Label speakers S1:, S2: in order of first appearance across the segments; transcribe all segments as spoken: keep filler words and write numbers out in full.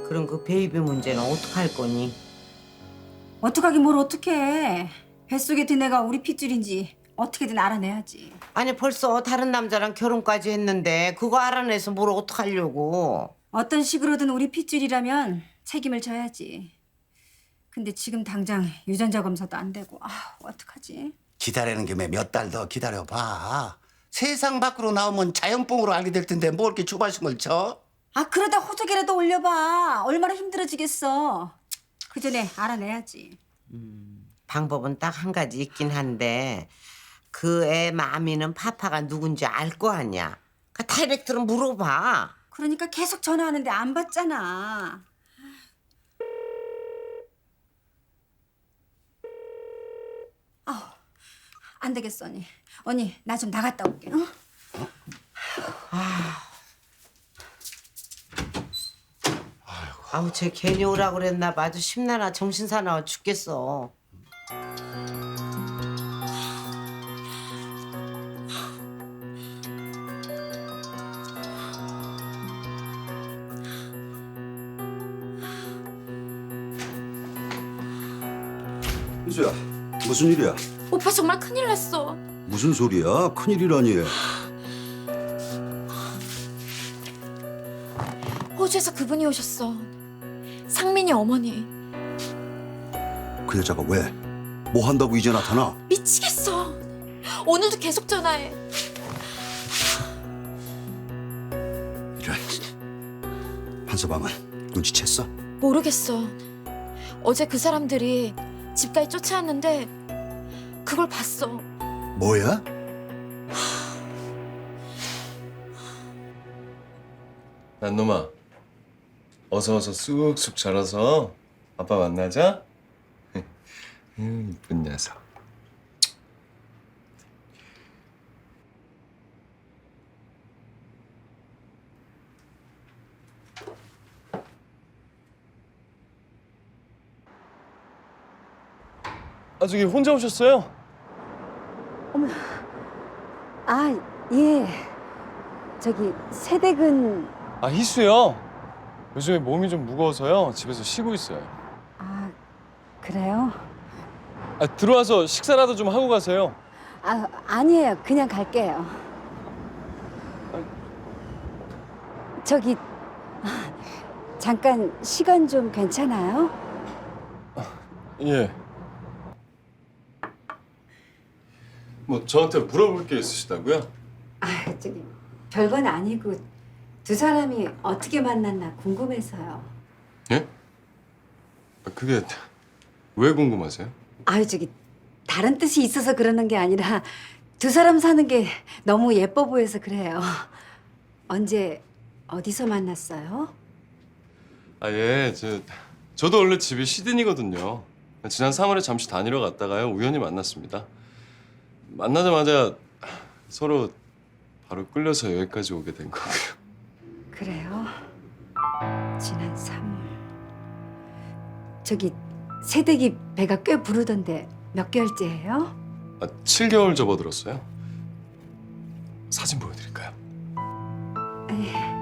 S1: 그럼 그 베이비 문제는 어떡할 거니?
S2: 어떡하긴 뭘 어떡해. 뱃속에 든 애가 우리 핏줄인지 어떻게든 알아내야지.
S1: 아니 벌써 다른 남자랑 결혼까지 했는데 그거 알아내서 뭘 어떡하려고.
S2: 어떤 식으로든 우리 핏줄이라면 책임을 져야지. 근데 지금 당장 유전자 검사도 안 되고 아 어떡하지?
S3: 기다리는 김에 몇 달 더 기다려봐. 세상 밖으로 나오면 자연뽕으로 알게 될 텐데 뭐 이렇게 조바심을 쳐?
S2: 아 그러다 호적이라도 올려봐. 얼마나 힘들어지겠어. 그 전에 알아내야지.
S1: 방법은 딱 한 가지 있긴 한데 그 애 마미는 파파가 누군지 알 거 아니야. 그 다이렉트로 물어봐.
S2: 그러니까 계속 전화하는데 안 받잖아. 아우 안 되겠어 언니. 언니 나 좀 나갔다 올게. 어?
S1: 아우 쟤 괜히 오라고 그랬나 봐. 아주 심나나 정신사나워 죽겠어.
S4: 희수야, 무슨 일이야?
S5: 오빠 정말 큰일 났어.
S4: 무슨 소리야? 큰일이라니.
S5: 호주에서 그분이 오셨어. 상민이 어머니.
S4: 그 여자가 왜? 뭐 한다고 이제 나타나?
S5: 미치겠어. 오늘도 계속 전화해.
S4: 이래. 한서방은 눈치챘어?
S5: 모르겠어. 어제 그 사람들이 집까지 쫓아왔는데 그걸 봤어.
S4: 뭐야?
S6: 난놈아, 어서 어서 쑥쑥 자라서 아빠 만나자. 음, 이쁜 녀석. 아 저기 혼자 오셨어요?
S2: 아 예. 저기 세댁은
S6: 아 희수요. 요즘에 몸이 좀 무거워서요. 집에서 쉬고 있어요.
S2: 아 그래요?
S6: 아 들어와서 식사라도 좀 하고 가세요.
S2: 아 아니에요. 그냥 갈게요. 저기 아, 잠깐 시간 좀 괜찮아요?
S6: 예. 뭐 저한테 물어볼 게 있으시다고요?
S2: 아 저기 별건 아니고 두 사람이 어떻게 만났나 궁금해서요.
S6: 예? 아, 그게 왜 궁금하세요?
S2: 아유 저기 다른 뜻이 있어서 그러는 게 아니라 두 사람 사는 게 너무 예뻐 보여서 그래요. 언제 어디서 만났어요?
S6: 아 예, 저 저도 원래 집이 시드니거든요. 지난 삼월에 잠시 다니러 갔다가요 우연히 만났습니다. 만나자마자 서로 바로 끌려서 여기까지 오게 된 거고요.
S2: 그래요? 지난 삼월 저기 새댁이 배가 꽤 부르던데 몇 개월째예요?
S6: 아, 칠 개월 접어들었어요. 사진 보여드릴까요?
S2: 예.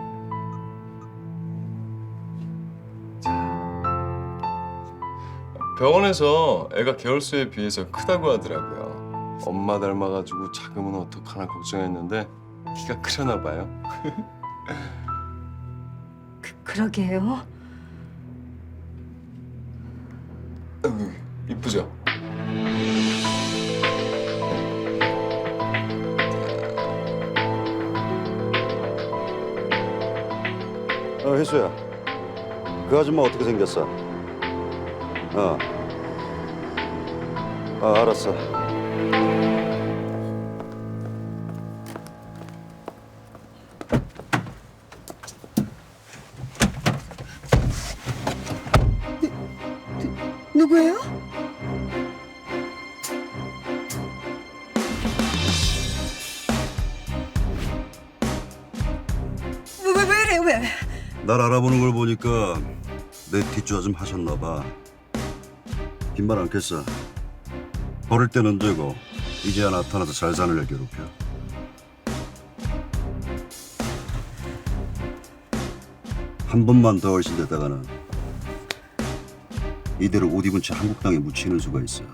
S6: 병원에서 애가 개월수에 비해서 크다고 하더라고요. 엄마 닮아가지고 작으면 어떡하나 걱정했는데 키가 크려나 봐요.
S2: 그, 그러게요.
S6: 아이고, 이쁘죠?
S4: 어, 희수야. 그 아줌마 어떻게 생겼어? 어. 아, 알았어.
S2: 누구예요? 왜, 왜, 왜 이래, 왜?
S4: 날 알아보는 걸 보니까 내 뒷조사 좀 하셨나 봐. 빈말 않겠어. 버릴 때는 되고 이제야 나타나서 잘 사는 애 괴롭혀. 한 번만 더 얼씬됐다가는 이대로 옷 입은 채 한국 땅에 묻히는 수가 있어.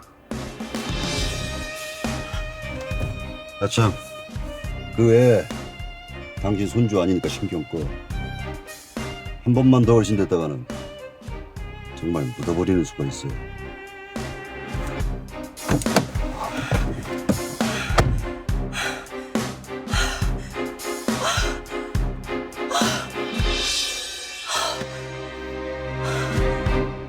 S4: 아참, 그 외에 당신 손주 아니니까 신경 꺼. 한 번만 더 얼씬됐다가는 정말 묻어버리는 수가 있어.